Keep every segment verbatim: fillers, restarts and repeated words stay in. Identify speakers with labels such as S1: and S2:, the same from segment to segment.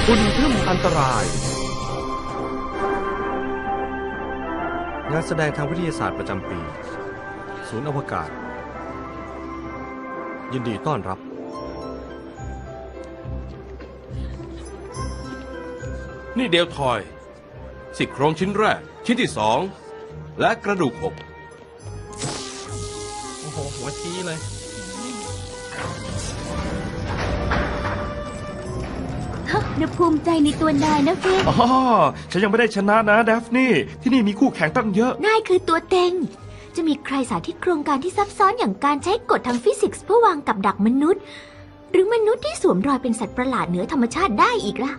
S1: ฝุ่นทึ่มอันตรายงานแสดงทางวิทยาศาสตร์ประจำปีศูนย์อวกาศยินดีต้อนรับ
S2: นี่เดลทอยซี่โครงชิ้นแรกชิ้นที่สองและกระดูกอก
S1: โอ้โหหัวชี้เลย
S3: นภูมิใจในตัวนายนะเฟรน
S4: อ๋อฉันยังไม่ได้ชนะนะเดฟนี่ที่นี่มีคู่แข่งตั้งเยอะ
S3: นายคือตัวเต็งจะมีใครสาธิตโครงการที่ซับซ้อนอย่างการใช้กฎทางฟิสิกส์เพื่อวางกับดักมนุษย์หรือมนุษย์ที่สวมรอยเป็นสัตว์ประหลาดเหนือธรรมชาติได้อีกล่ะ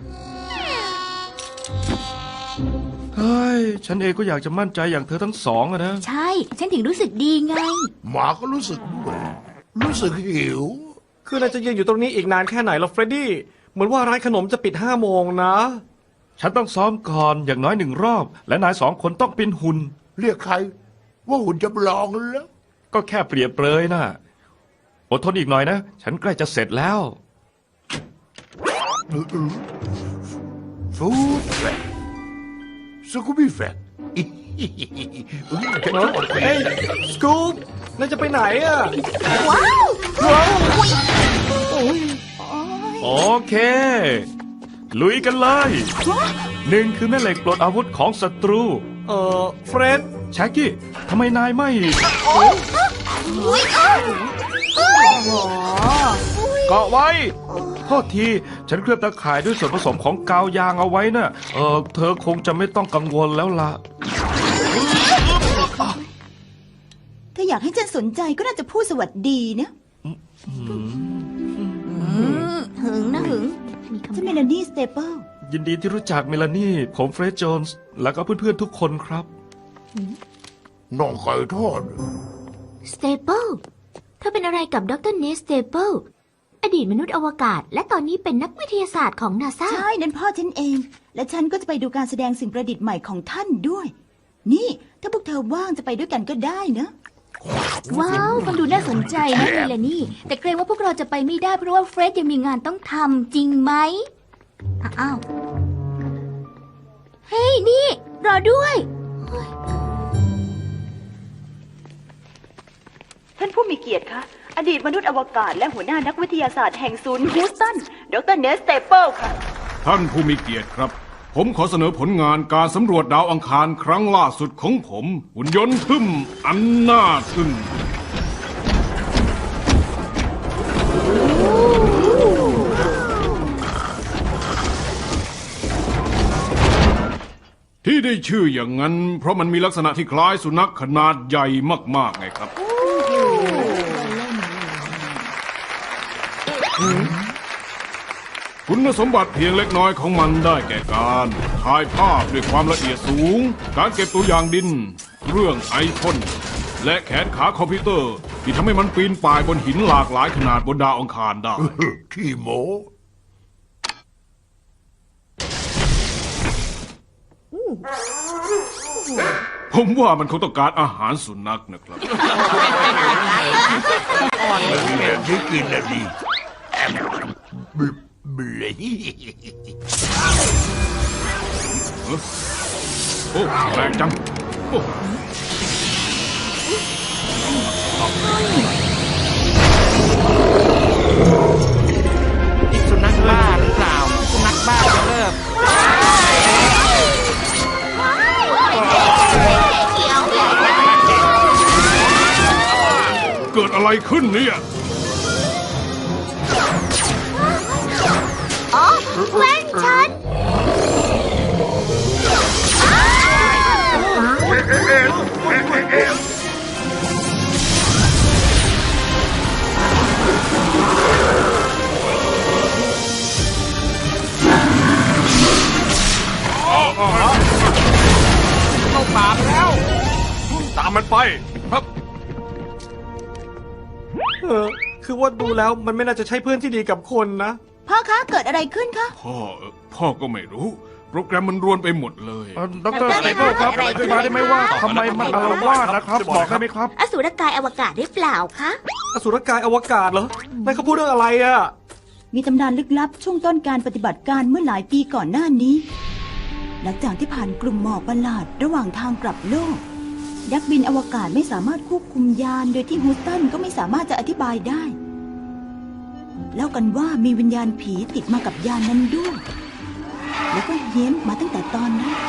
S4: เฮ้ยฉันเองก็อยากจะมั่นใจอย่างเธอทั้งสองอะนะ
S3: ใช่ฉันถึงรู้สึกดีไง
S5: หมาก็รู้สึกด้วยรู้สึกหิว
S1: คือนายจะยืนอยู่ตรงนี้อีกนานแค่ไหนล่ะเฟรดดี้เหมือนว่าร้านขนมจะปิดห้าโมงนะ
S4: ฉันต้องซ้อมก่อนอย่างน้อยหนึ่งรอบและนายสองคนต้องเป็นหุ่น
S5: เรียกใครว่าหุ่นจำลองแล้ว
S4: ก็แค่เปรียบเปรยนะอดทนอีกหน่อยนะฉันใกล้จะเสร็จแล้ว
S5: ฟูดแฟกสกูบี้แฟก
S1: เฮ้ยสกู๊ปนายจะไปไหนอ่ะ
S3: ว้าวว้าว
S4: โอเคลุยกันเลยหนึ่งคือแม่เหล็กปลดอาวุธของศัตรู
S1: เอ่อเฟรด
S4: แช็กกี้ทำไมนายไม่เกาะไว้โทษทีฉันเคลือบตะข่ายด้วยส่วนผสมของกาวยางเอาไว้น่ะเออเธอคงจะไม่ต้องกังวลแล้วล่ะ
S6: ถ้าอยากให้ฉันสนใจก็น่าจะพูดสวัสดีนะ
S3: หึงนะหึง
S6: ฉันเมลานี่สเตเปิล
S4: ยินดีที่รู้จักเมลานี่ผมเฟรดโจนส์แล้วก็เพื่อนๆทุกคนครับ
S5: น้องไก่ทอด
S3: สเตเปิลเธอเป็นอะไรกับดรเนสสเตเปิลอดีตมนุษย์อวกาศและตอนนี้เป็นนักวิทยาศาสตร์ของนาซา
S6: ใช่นั่นพ่อฉันเองและฉันก็จะไปดูการแสดงสิ่งประดิษฐ์ใหม่ของท่านด้วยนี่ถ้าพวกเธอว่างจะไปด้วยกันก็ได้นะ
S3: ว้าวฟังดูน่าสนใจนะเมลานี่แต่เกรงว่าพวกเราจะไปไม่ได้เพราะว่าเฟรดยังมีงานต้องทำจริงไหมอ้าวเฮ้ยนี่รอด้วย
S6: ท่านผู้มีเกียรติคะอดีตมนุษย์อวกาศและหัวหน้านักวิทยาศาสตร์แห่งศูนย์ฮิวสตันดรเนสสเตเปิลค่ะ
S2: ท่านผู้มีเกียรติครับผมขอเสนอผลงานการสำรวจดาวอังคารครั้งล่าสุดของผมหุ่นยนต์ทึ่มอันน่าทึ่งที่ได้ชื่ออย่างนั้นเพราะมันมีลักษณะที่คล้ายสุนัขขนาดใหญ่มากๆไงครับคุณสมบัติเพียงเล็กน้อยของมันได้แก่การถ่ายภาพด้วยความละเอียดสูงการเก็บตัวอย่างดินเครื่องไอพ่นและแขนขาคอมพิวเตอร์ที่ทำให้มันปีนป่ายบนหินหลากหลายขนาดบนดาวอังคารได้
S5: ขี้โม้
S2: ผมว่ามันคงต้องการอาหารสุนัขนะครับ
S5: แบบนี้กินแล้วดีเบล
S2: โอ้แรงจังโอ้
S7: สุนัขบ้าหรือเปล่าสุนัขบ้าจะเลิก
S2: เกิดอะไรขึ้นเนี่ย
S3: อ๋อแว่นฉัน
S7: เข้าป่าแล้ว
S2: ตามมันไปครับ
S1: เออคือว่าดูแล้วมันไม่น่าจะใช่เพื่อนที่ดีกับคนนะ
S6: พ่อคะเกิดอะไรขึ้นคะ
S2: พ่อพ่อก็ไม่รู้โปรแกรมมันรวนไปหมดเลย
S4: ดรสเตเปิลครับอธิบายได้ไหมว่าทำไมมันอารวาสนะครับบอกได้ไหมครับ
S3: อสูรกายอวกาศได้เปล่าคะ
S1: อสูรกายอวกาศเหรอนายเขาพูดเรื่องอะไรอ่ะ
S6: มีตำนานลึกลับช่วงต้นการปฏิบัติการเมื่อหลายปีก่อนหน้านี้ หลังจากที่ผ่านกลุ่มหมอกประหลาดระหว่างทางกลับโลกนักบินอวกาศไม่สามารถควบคุมยานโดยที่ฮูสตันก็ไม่สามารถจะอธิบายได้เล่ากันว่ามีวิญญาณผีติดมากับยานนั้นด้วยแล้วก็เฮี้ยนมาตั้งแต่ตอนนั้น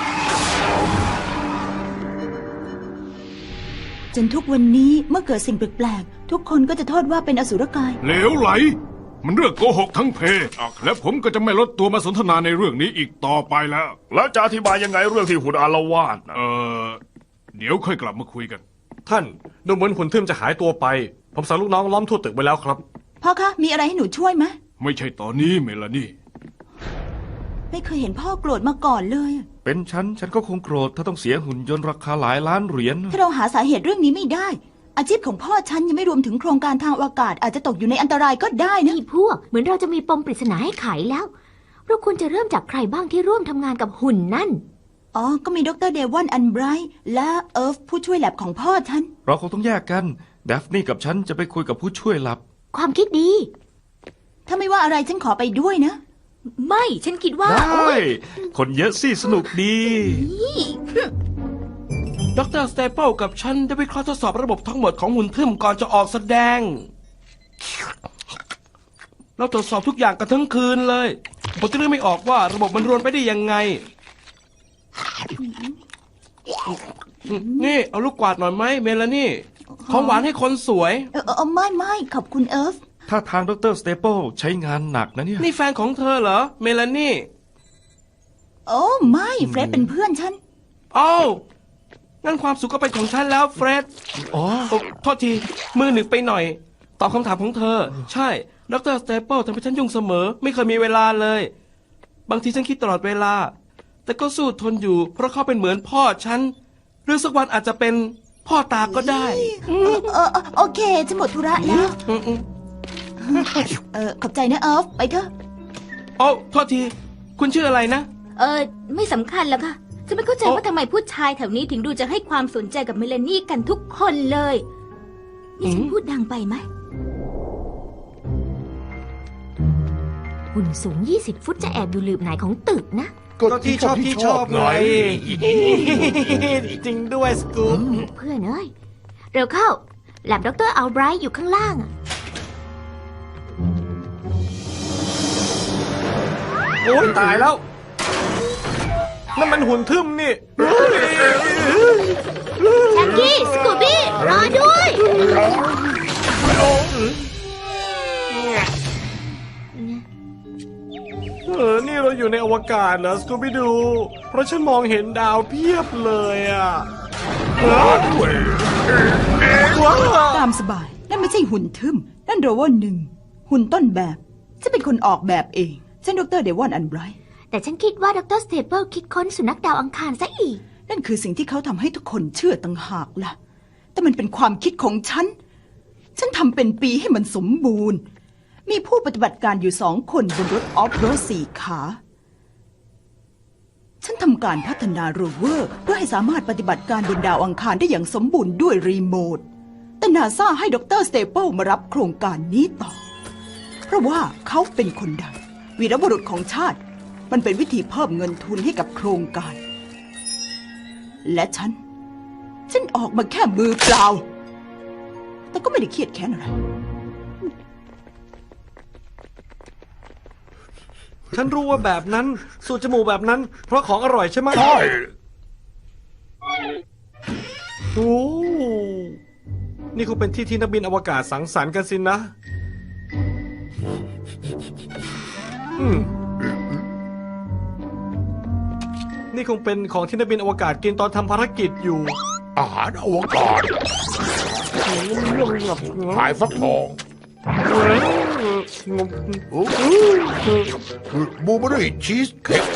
S6: จนทุกวันนี้เมื่อเกิดสิ่งแปลกๆทุกคนก็จะโทษว่าเป็นอสุรกาย
S2: เหลวไหล มันเรื่องโกหกทั้งเพและผมก็จะไม่ลดตัวมาสนทนาในเรื่องนี้อีกต่อไปแล้ว
S4: แล้วจะอธิบายยังไงเรื่องที่หุ่นอารวาสนะ
S2: เออเดี๋ยวค่อยกลับมาคุยกัน
S1: ท่านดูเหมือนหุ่นทึมจะหายตัวไป ผมสั่งลูกน้องล้อมทั่วตึกไว้แล้วครับ
S6: พ่อคะมีอะไรให้หนูช่วยไหม
S2: ไม่ใช่ตอนนี้เมลานี่
S6: ไม่เคยเห็นพ่อโกรธมาก่อนเลย
S4: เป็นฉันฉันก็คงโกรธถ้าต้องเสียหุ่นยนต์ราคาหลายล้านเหรียญ
S6: ถ้าเราหาสาเหตุเรื่องนี้ไม่ได้ อาชีพของพ่อฉันยังไม่รวมถึงโครงการทางอากาศอาจจะตกอยู่ในอันตรายก็ได้นะ
S3: นี่พวกเหมือนเราจะมีปมปริศนาให้ไขแล้ว เราควรจะเริ่มจากใครบ้างที่ร่วมทำงานกับหุ่นนั่น
S6: อ๋อ ก็มีดรเดวอนอันไบรท์และเอิร์ฟผู้ช่วยแลบของพ่อฉัน
S4: เราคงต้องแยกกันเดฟนี่กับฉันจะไปคุยกับผู้ช่วยลับ
S3: ความคิดดี
S6: ถ้าไม่ว่าอะไรฉันขอไปด้วยนะ
S3: ไม่ฉันคิดว่า
S4: ได้คนเยอะสิสนุกดี
S7: ดรสเตเปิลกับฉันได้วิเคราะห์ทดสอบระบบทั้งหมดของหุ่นทึมก่อนจะออกแสดง เราตรวจสอบทุกอย่างกันทั้งคืนเลยผมจะเลือกไม่ออกว่าระบบมันรวนไปได้ยังไง นี่เอาลูกกวาดหน่อยไหมเมลานี่ ของหวานให้คนสวย
S6: เออเออไม่ไม่ขอบคุณเอิร์ฟ
S4: ถ้าทางดรสเตเปิลใช้งานหนักนะเนี่ย
S7: นี่แฟนของเธอเหรอเมลานี่
S6: โอ้ไม่เฟรดเป็นเพื่อนฉัน
S7: อ้าวงั้นความสุขก็เป็นของฉันแล้วเฟร็ด
S4: อ๋อ
S7: โอ้โทษทีมือหนึ่งไปหน่อย ตอบคำถามของเธอ ใช่ดรสเตเปิลทำให้ฉันยุ่งเสมอ ไม่เคยมีเวลาเลย บางทีฉันคิดตลอดเวลา แต่ก็สู้ทนอยู่ เพราะเขาเป็นเหมือนพ่อฉันหรือสักวันอาจจะเป็นพ่อตาก็ได้
S6: เออเออเออโอเคฉันหมดธุระแล้ว
S7: อืมอืม
S6: เออขอบใจนะเอิร์ฟไปเถอะ
S7: โอ้โทษที คุณชื่ออะไรนะ
S8: เออไม่สำคัญแล้วค่ะจะไม่เข้าใจ
S7: โอ๊ะ
S8: ว่าทำไมผู้ชายแถวนี้ถึงดูจะให้ความสนใจกับเมลานี่กันทุกคนเลยนี่ฉันพูดดังไปไหม
S3: หุ่นสูง ยี่สิบ ฟุตจะแอบอยู่หลืบไหนของตึกนะ
S1: ก็ที่ชอบที่ชอบไง จริงด้วยสกู๊ป
S3: เพื่อนเอ้ย เร็วเข้า แลบดรอัลไบรท์อยู่ข้างล่างอะ
S1: โอ้ยตายแล้วนั่นมันหุ่นทึมนี่
S3: แชมกี้ สกูบี้ รอด้วย
S1: เออ นี่เราอยู่ในอวกาศเหรอสกูบี้ดู เพราะฉันมองเห็นดาวเพียบเลยอ่ะว้าว
S6: ตามสบาย นั่นไม่ใช่หุ่นทึมนั่นโรเวอร์หนึ่งหุ่นต้นแบบจะเป็นคนออกแบบเองฉันดรเดวอนอันไบรท์
S3: แต่ฉันคิดว่าดรสเตเปิลคิดค้นสุนัขดาวอังคารซะอีก
S6: นั่นคือสิ่งที่เขาทำให้ทุกคนเชื่อต่างหากล่ะ แต่มันเป็นความคิดของฉัน ฉันทำเป็นปีให้มันสมบูรณ์ มีผู้ปฏิบัติการอยู่สองคนบนรถออฟโรดสี่ขา ฉันทำการพัฒนาโรเวอร์เพื่อให้สามารถปฏิบัติการบนดาวอังคารได้อย่างสมบูรณ์ด้วยรีโมท แต่นาซาให้ดรสเตเปิลมารับโครงการนี้ต่อ เพราะว่าเขาเป็นคนดังวีรบุรุษของชาติ มันเป็นวิธีเพิ่มเงินทุนให้กับโครงการ และฉัน ฉันออกมาแค่มือเปล่า แต่ก็ไม่ได้เครียดแค้นอะไร
S1: ฉันรู้ว่าแบบนั้น สูตรจมูกแบบนั้น เพราะของอร่อยใช่ไหม
S5: ใช่
S1: โอ้นี่คงเป็นที่ที่นักบินอวกาศสังสรรค์กันสินะ อืม นี่คงเป็นของที่นักบินอวกาศกินตอนทำภารกิจอยู่
S5: อาหารอวกาศขายฟักทองบูเบอรี่ชีสเค้ก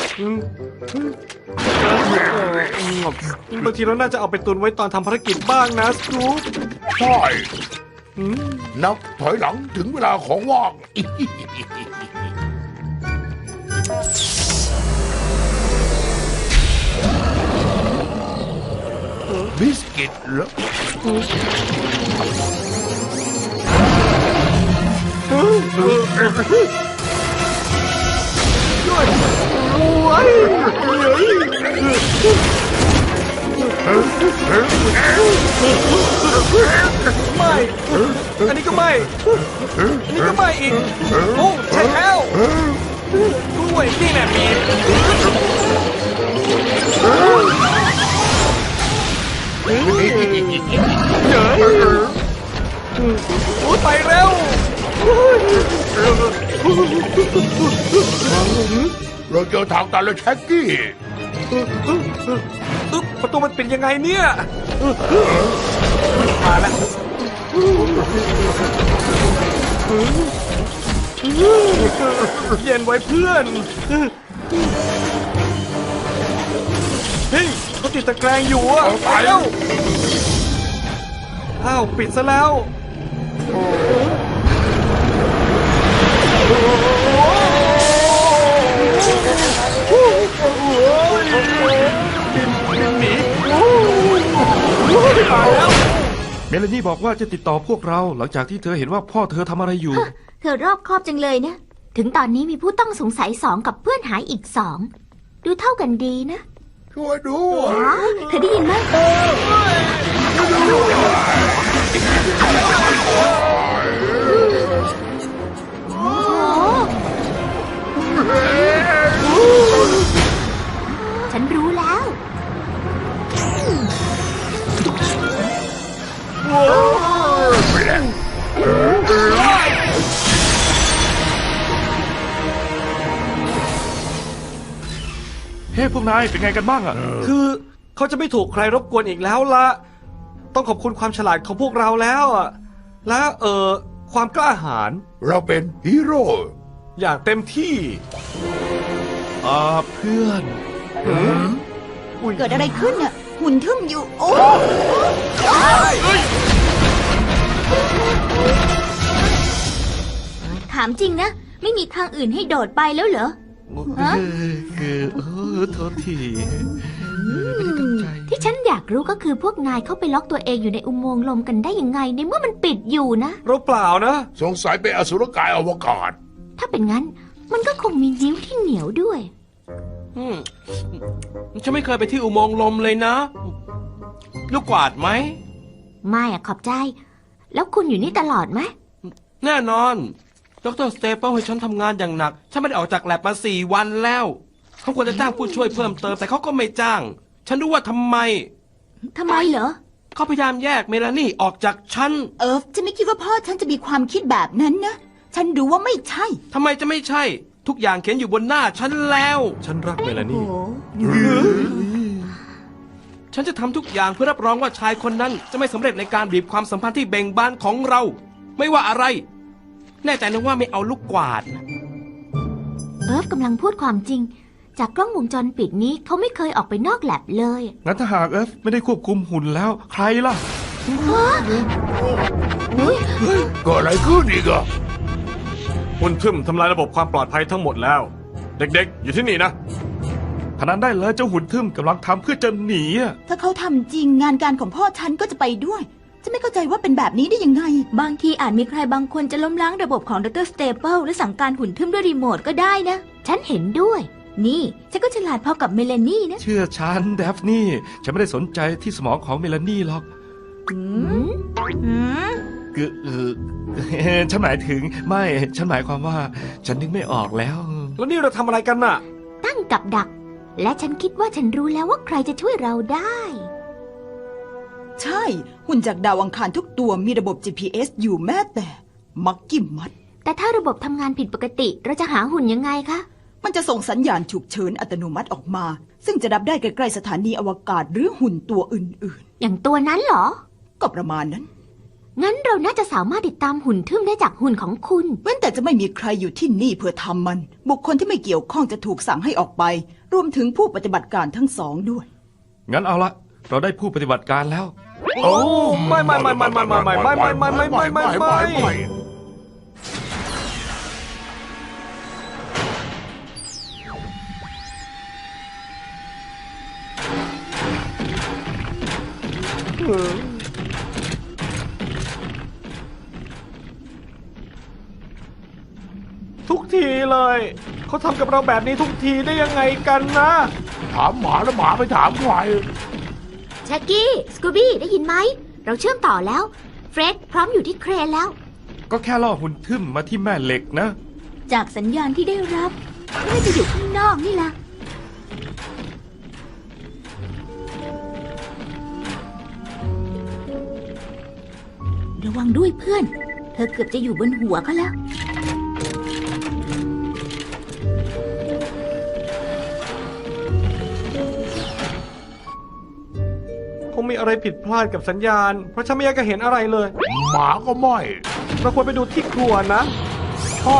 S1: บางทีเราน่าจะเอาไปตุนไว้ตอนทำภารกิจบ้างนะสกู๊ป
S5: ใช่นับถอยหลังถึงเวลาของว่างบิสกิตเหรอ
S1: โอ้ยไม่ อันนี้ก็ไม่ อันนี้ก็ไม่อีก โอ้ใช่แล้วกล้วยนี่แหละมีเจ๋อโอ้ยไปเร็ว
S5: เราเจอทางตันแล้วแช็กกี้
S1: อึ๊บประตูมันเป็นยังไงเนี่ยมาแล้วเย็นไว้เพื่อน เฮ้ยเขาติดตะแกรงอยู่อ่ะไปแล้วอ้าวปิดซะแล้ว
S4: เมลานี่บอกว่าจะติดต่อพวกเราหลังจากที่เธอเห็นว่าพ่อเธอทำอะไรอยู่
S3: เธอรอบคอบจังเลยนะ ถึงตอนนี้มีผู้ต้องสงสัยสองกับเพื่อนหายอีกสอง ดูเท่ากันดีนะ
S5: ช่วยด้ว
S3: อ๋
S5: ย
S3: อเธอได้ยินไหมโอ้ฉันรู้แล้ว
S4: เฮ้พวกนายเป็นไงกันบ้างอะ
S1: คือเขาจะไม่ถูกใครรบกวนอีกแล้วละต้องขอบคุณความฉลาดของพวกเราแล้วอะและเอ่อความกล้าหาญ
S5: เราเป็นฮีโร่
S1: อย่างเต็มที่
S4: อ่าเพื่อน
S6: เกิดอะไรขึ้นน่ะ หุ่นทึ่มอยู่ โอ้
S8: ถามจริงนะ ไม่มีทางอื่นให้โดดไปแล้วเหรอ ฮะ
S4: คือเออโทษทีไม่ได้ตั้งใจ
S3: ที่ฉันอยากรู้ก็คือพวกนายเข้าไปล็อกตัวเองอยู่ในอุโมงค์ลมกันได้ยังไงในเมื่อมันปิดอยู่นะ
S1: เราเปล่านะ
S5: สงสัยเป็นอสุรกายอวกาศ
S3: ถ้าเป็นงั้น มันก็คงมีนิ้วที่เหนียวด้วย
S7: อืมฉันไม่เคยไปที่อุโมงค์ลมเลยนะ ลูกกวาดไหม
S3: ไม่อะขอบใจ แล้วคุณอยู่นี่ตลอดไหม
S7: แน่นอน ดรสเตเปิลให้ฉันทำงานอย่างหนัก ฉันไม่ได้ออกจากแลบมาสี่วันแล้ว เขาควรจะจ้างผู้ช่วยเพิ่มเติม แต่เขาก็ไม่จ้าง ฉันรู้ว่าทำไม
S8: ทำไมเหรอ
S7: เขาพยายามแยกเมลานี่ออกจากฉัน
S6: เอิร์ฟฉันไม่คิดว่าพ่อฉันจะมีความคิดแบบนั้นนะ ฉันรู้ว่าไม่ใช่
S7: ทำไมจะไม่ใช่ ทุกอย่างเขียนอยู่บนหน้าฉันแล้ว
S1: ฉันรักเมลานี่
S7: ฉันจะทำทุกอย่างเพื่อรับรองว่าชายคนนั้นจะไม่สำเร็จในการบีบความสัมพันธ์ที่เบ่งบานของเรา ไม่ว่าอะไร แน่ใจนะว่าไม่เอาลูกกวาดนะ
S3: เอิร์ฟกำลังพูดความจริง จากกล้องวงจรปิดนี้เขาไม่เคยออกไปนอกแลบเลย
S4: งั้นถ้าหากเอฟไม่ได้ควบคุมหุ่นแล้ว ใครล่ะ
S5: ก็อะไรขึ้นอีกอะ
S1: คุณทึมทำลายระบบความปลอดภัยทั้งหมดแล้ว เด็กๆ อยู่ที่นี่นะ
S4: พนันได้เลยเจ้าหุ่นทึมกำลังทำเพื่อจะหนีอะ
S6: ถ้าเขาทำจริงงานการของพ่อฉันก็จะไปด้วย จะไม่เข้าใจว่าเป็นแบบนี้ได้ยังไง
S8: บางทีอาจมีใครบางคนจะล้มล้างระบบของดรสเตเปิลและสั่งการหุ่นทึมด้วยรีโมทก็ได้นะ
S3: ฉันเห็นด้วย
S8: นี่ ฉันก็ฉลาดพอกับเมลานี่นะ
S4: เชื่อฉันเดฟนี่ ฉันไม่ได้สนใจที่สมองของเมลานี่หรอก
S8: อืมอืม
S4: คือเออ ฉันหมายถึงไม่ ฉันหมายความว่า ฉันนึกไม่ออกแล้ว
S1: แล้วนี่เราทำอะไรกันน่ะ
S3: ตั้งกับดัก และฉันคิดว่าฉันรู้แล้วว่าใครจะช่วยเราได้
S6: ใช่ หุ่นจากดาวอังคารทุกตัวมีระบบ จี พี เอส อยู่แม้แต่มักกี้มัด
S3: แต่ถ้าระบบทำงานผิดปกติ เราจะหาหุ่นยังไงคะ
S6: มันจะส่งสัญญาณฉุกเฉินอัตโนมัติออกมา ซึ่งจะรับได้ใกล้ๆสถานีอวกาศหรือหุ่นตัวอื่น
S3: อย่างตัวนั้นเหรอ
S6: ๆ ก็ประมาณนั้น
S3: งั้นเราน่าจะสามารถติดตามหุ่นทึ่มได้จากหุ่นของคุณ
S6: เว้นแต่จะไม่มีใครอยู่ที่นี่เพื่อทำมัน บุคคลที่ไม่เกี่ยวข้องจะถูกสั่งให้ออกไป รวมถึงผู้ปฏิบัติการทั้งสองด้วย
S4: งั้นเอาละเราได้ผู้ปฏิบัติการแล้ว
S1: โอ้ไม่ไม่ไม่ไม่ไม่ไม่ไม่ไม่ไม่ไม่ไม่ไม่ไม่ไม่ทุกทีเลย เขาทำกับเราแบบนี้ทุกทีได้ยังไงกันนะ
S5: ถามหมาแล้วหมาไปถามใคร
S3: แจ็คกี้ สกูบี้ ได้ยินไหม เราเชื่อมต่อแล้ว เฟร็ดพร้อมอยู่ที่เครนแล้ว
S4: ก็แค่ล่อหุ่นทึมมาที่แม่เหล็กนะ
S8: จากสัญญาณที่ได้รับน่าจะอยู่ข้างนอกนี่ล่ะ ระวังด้วยเพื่อน เธอเกือบจะอยู่บนหัวเขาแล้ว
S1: คงมีอะไรผิดพลาดกับสัญญาณ เพราะฉันไม่อยากจะเห็นอะไรเลย
S5: หมาก็ไม่
S1: เราควรไปดูที่ครัวนะ
S5: ใช่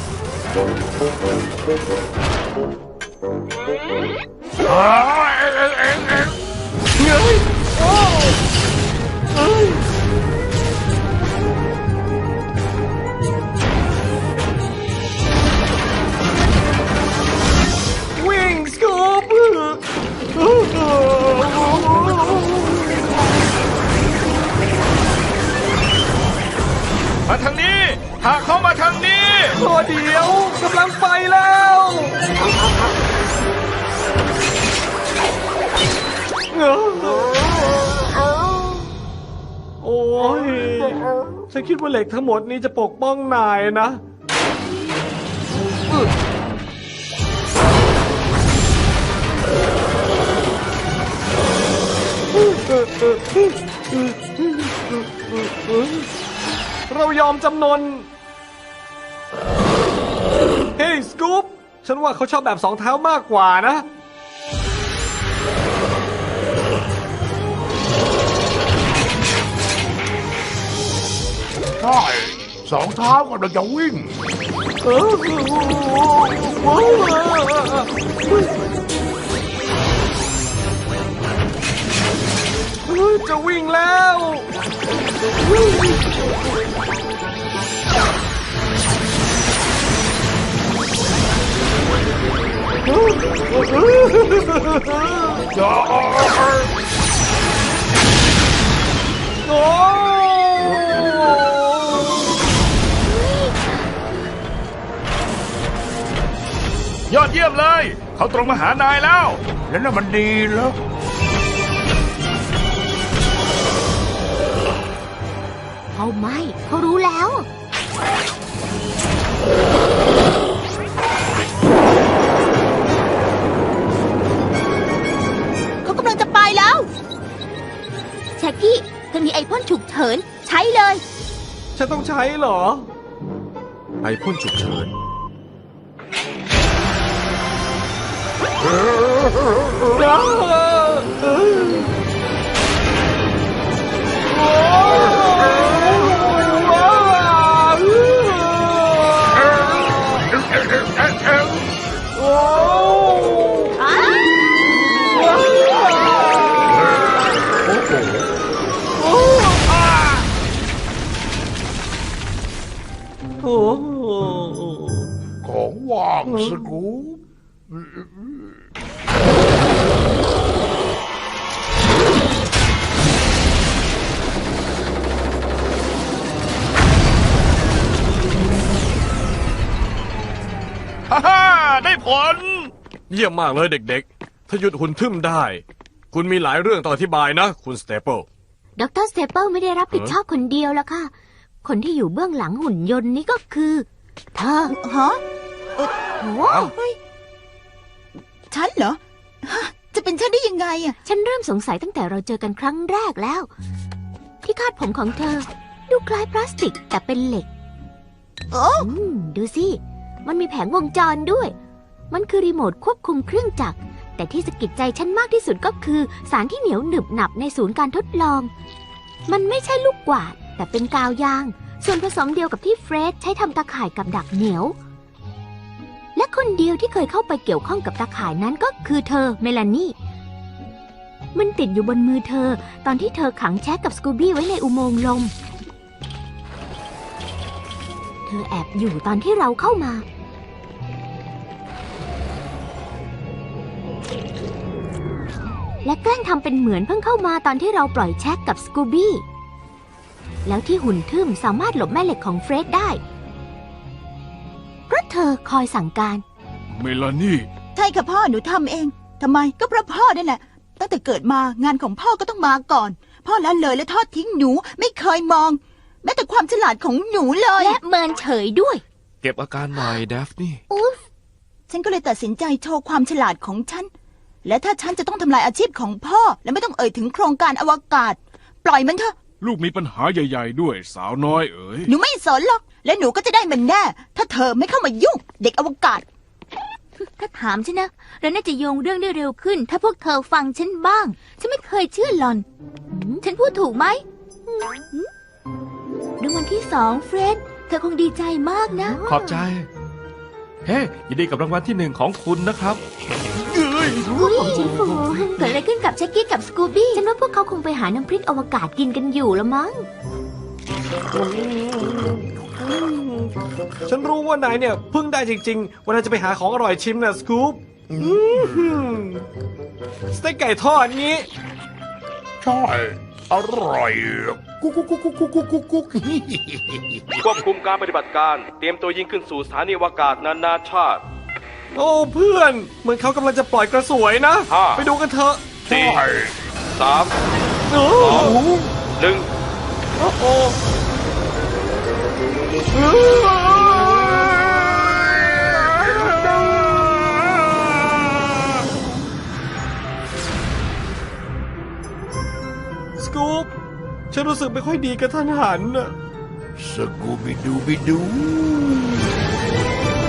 S5: เอ้ยเอ็งเอ็งเอ็ง
S1: เงยโอ้เอ้ยวิ่งสกูป
S4: มาทางนี้พาเขามาทางนี้
S1: โอ้เดี๋ยวกำลังไปแล้วโอ้ยฉันคิดว่าเหล็กทั้งหมดนี้จะปกป้องนายนะเรายอมจำนน เฮ้ยสกู๊ปฉันว่าเขาชอบแบบสองเท้ามากกว่านะ
S5: ใช่สองเท้ากำลังจะวิ่ง
S1: เออโอ้โหจะวิ่งแล้วโอ้
S4: ยอดเยี่ยมเลย เขาตรงมาหานายแล้ว
S5: แล้วน่ะมันดีแล้ว
S3: เขาไม่เขารู้แล้ว
S8: เขากำลังจะไปแล้วแจ็คกี้เธอมีไอพ่นฉุกเฉินใช้เลย
S1: ฉันต้องใช้เหรอ
S9: ไอพ่นฉุกเฉิน
S1: โอ้โห
S5: ของว่างสกู๊ป
S4: ฮ่าฮ่าได้ผล
S9: เยี่ยมมากเลยเด็กๆ ถ้าหยุดหุ่นทึมได้ คุณมีหลายเรื่องต้องอธิบายนะ คุณสเตเปิล
S3: ดรสเตเปิลไม่ได้รับผิดชอบคนเดียวแล้วค่ะ คนที่อยู่เบื้องหลังหุ่นยนต์นี้ก็คือ เธอ
S6: ฮะ
S3: โอ้
S6: เฮ้ยฉันเหรอฮะจะเป็นฉันได้ยังไงอ่ะ
S3: ฉันเริ่มสงสัยตั้งแต่เราเจอกันครั้งแรกแล้ว ที่คาดผมของเธอ ดูคล้ายพลาสติกแต่เป็นเหล็ก
S6: โอ้
S3: อืมดูสิ มันมีแผงวงจรด้วย มันคือรีโมทควบคุมเครื่องจักร แต่ที่สะกิดใจฉันมากที่สุดก็คือสารที่เหนียวหนึบหนับในศูนย์การทดลอง มันไม่ใช่ลูกกวาด แต่เป็นกาวยาง ส่วนผสมเดียวกับที่เฟรดใช้ทำตาข่ายกับดักเหนียว และคนเดียวที่เคยเข้าไปเกี่ยวข้องกับตาข่ายนั้นก็คือเธอเมลานี่ มันติดอยู่บนมือเธอตอนที่เธอขังแช็กกับสกูบี้ไว้ในอุโมงค์ลม เธอแอบอยู่ตอนที่เราเข้ามา และแกล้งทำเป็นเหมือนเพิ่งเข้ามาตอนที่เราปล่อยแช็กกับสกูบี้ แล้วที่หุ่นทึมสามารถหลบแม่เหล็กของเฟรดได้เพราะเธอคอยสั่งการ
S2: เมลานี่
S6: ใช่ค่ะพ่อหนูทำเองทำไมก็เพราะพ่อนั่นแหละตั้งแต่เกิดมางานของพ่อก็ต้องมาก่อน พ่อละเลยและทอดทิ้งหนูไม่เคยมอง แม้แต่ความฉลาดของหนูเลย
S3: และเมินเฉยด้วย
S4: เก็บอาการหน่อยเดฟนี่
S3: อุ๊ฟ
S6: ฉันก็เลยตัดสินใจโชว์ความฉลาดของฉัน และถ้าฉันจะต้องทำลายอาชีพของพ่อ และไม่ต้องเอ่ยถึงโครงการอวกาศ ปล่อยมันเถอะ
S2: ลูกมีปัญหาใหญ่ๆด้วยสาวน้อยเอ๋ย
S6: หนูไม่สนหรอก และหนูก็จะได้มันแน่ ถ้าเธอไม่เข้ามายุ่ง เด็กอวกาศ
S3: ถ้าถามฉันนะเราน่าจะโยงเรื่องได้เร็วขึ้น ถ้าพวกเธอฟังฉันบ้าง ฉันไม่เคยเชื่อหลอนหืมฉันพูดถูกไหมหืมรางวัลที่สองเฟรดเธอคงดีใจมากนะ
S4: ขอบใจ เฮ้ยินดีกับรางวัลที่หนึ่งของคุณนะครับ
S3: อุ้ยชิฟูเกิดอะไรขึ้นกับเช็กกี้กับสกูบี้ ฉันว่าพวกเขาคงไปหาน้ำพริกอวกาศกินกันอยู่ละมั้ง
S1: ฉันรู้ว่านายเนี่ยเพิ่งได้จริงๆวันนายจะไปหาของอร่อยชิมนะสกู๊ปสเต็กไก่ทอดงี้
S5: ใช่ อร่อย กุ๊กกุ๊กกุ๊กกุ๊กกุ๊กกุ๊กกุ๊ก
S7: ควบคุมการปฏิบัติการ เตรียมตัวยิงขึ้นสู่สถานีอวกาศนานาชาติ
S1: โอ้เพื่อน เหมือนเขากำลังจะปล่อยกระสวยนะ
S7: ห้า
S1: ไปดูกันเถอะ
S7: สี่
S5: ใช่
S7: สาม
S1: โอ้
S7: สองหนึ่ง
S1: โหสกู๊ปฉันรู้สึกไม่ค่อยดีกับท่านหันน่ะ
S5: สกูบิดูบิดู